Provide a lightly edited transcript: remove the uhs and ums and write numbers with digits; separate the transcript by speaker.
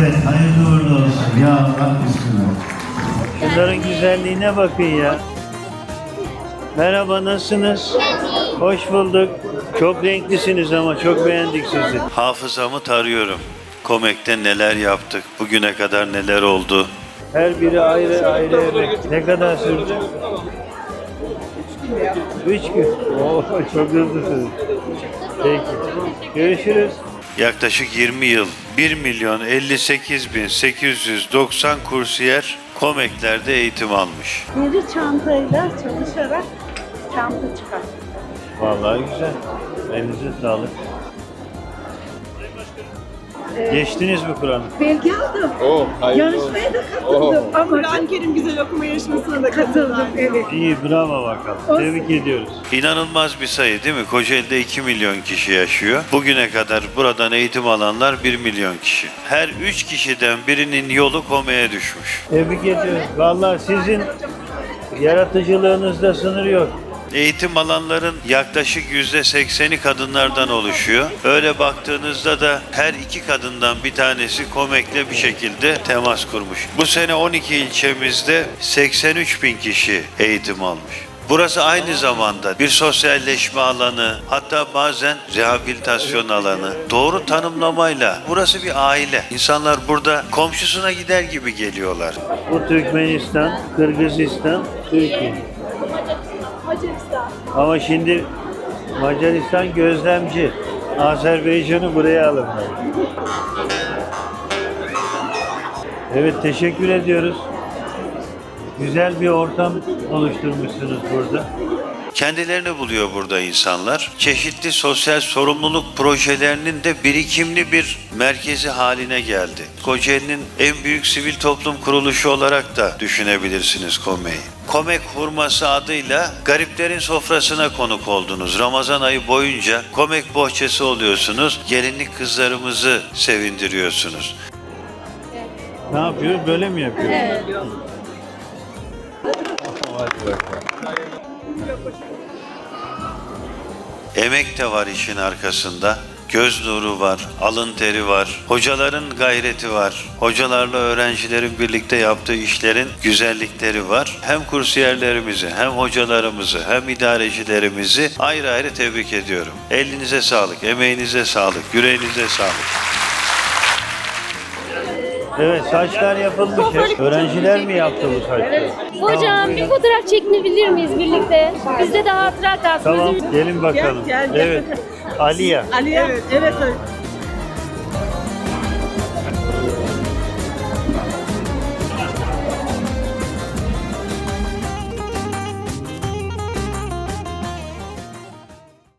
Speaker 1: Evet, hayırlı uğurlu olsun. Ya Allah bismillah.
Speaker 2: Şunların güzelliğine bakın ya. Merhaba, nasılsınız? Hoş bulduk. Çok renklisiniz ama çok beğendik sizi. Hafızamı tarıyorum. Komek'te neler yaptık, bugüne kadar neler oldu. Her biri ayrı ayrı emek. Ne kadar sürdü? 3 gün. Oo, çok hızlısınız. Peki. Görüşürüz. Yaklaşık 20 yıl 1.058.890 kursiyer Komek'lerde eğitim almış.
Speaker 3: Deri çantayla çalışarak çanta çıkar.
Speaker 2: Vallahi güzel. Elinize sağlık. Geçtiniz mi Kur'an'ı?
Speaker 3: Belge aldım. Yarışmaya da katıldım. Ama Kur'an-ı Kerim güzel okuma yarışmasına da katıldım. Evet.
Speaker 2: İyi, bravo bakalım. Tebrik ediyoruz. İnanılmaz bir sayı değil mi? Kocaeli'de 2 milyon kişi yaşıyor. Bugüne kadar buradan eğitim alanlar 1 milyon kişi. Her 3 kişiden birinin yolu Komek'e düşmüş. Tebrik ediyoruz. Vallahi sizin yaratıcılığınızda sınır yok. Eğitim alanların yaklaşık %80'i kadınlardan oluşuyor. Öyle baktığınızda da her 2 kadından bir tanesi Komek'le bir şekilde temas kurmuş. Bu sene 12 ilçemizde 83 bin kişi eğitim almış. Burası aynı zamanda bir sosyalleşme alanı, hatta bazen rehabilitasyon alanı. Doğru tanımlamayla burası bir aile. İnsanlar burada komşusuna gider gibi geliyorlar. Bu Türkmenistan, Kırgızistan, Türkiye. Ama şimdi Macaristan gözlemci. Azerbaycan'ı buraya alırlar. Evet, teşekkür ediyoruz. Güzel bir ortam oluşturmuşsunuz burada. Kendilerini buluyor burada insanlar. Çeşitli sosyal sorumluluk projelerinin de birikimli bir merkezi haline geldi. Kocaeli'nin en büyük sivil toplum kuruluşu olarak da düşünebilirsiniz Komek'i. Komek Hurması adıyla gariplerin sofrasına konuk oldunuz. Ramazan ayı boyunca Komek bohçası oluyorsunuz. Gelinlik kızlarımızı sevindiriyorsunuz. Ne yapıyoruz? Böyle mi yapıyoruz? Evet. Hadi bakalım. Emek de var işin arkasında. Göz nuru var, alın teri var, hocaların gayreti var. Hocalarla öğrencilerin birlikte yaptığı işlerin güzellikleri var. Hem kursiyerlerimizi, hem hocalarımızı, hem idarecilerimizi ayrı ayrı tebrik ediyorum. Elinize sağlık, emeğinize sağlık, yüreğinize sağlık. Evet, saçlar yapılmış. Öğrenciler mi yaptı bu saçları?
Speaker 4: Hocam bir fotoğraf çekinebilir miyiz birlikte? Bizde de hatıra kalsın.
Speaker 2: Tamam, gelin bakalım.
Speaker 3: Gel.
Speaker 2: Evet, Aliye.
Speaker 3: Ali evet.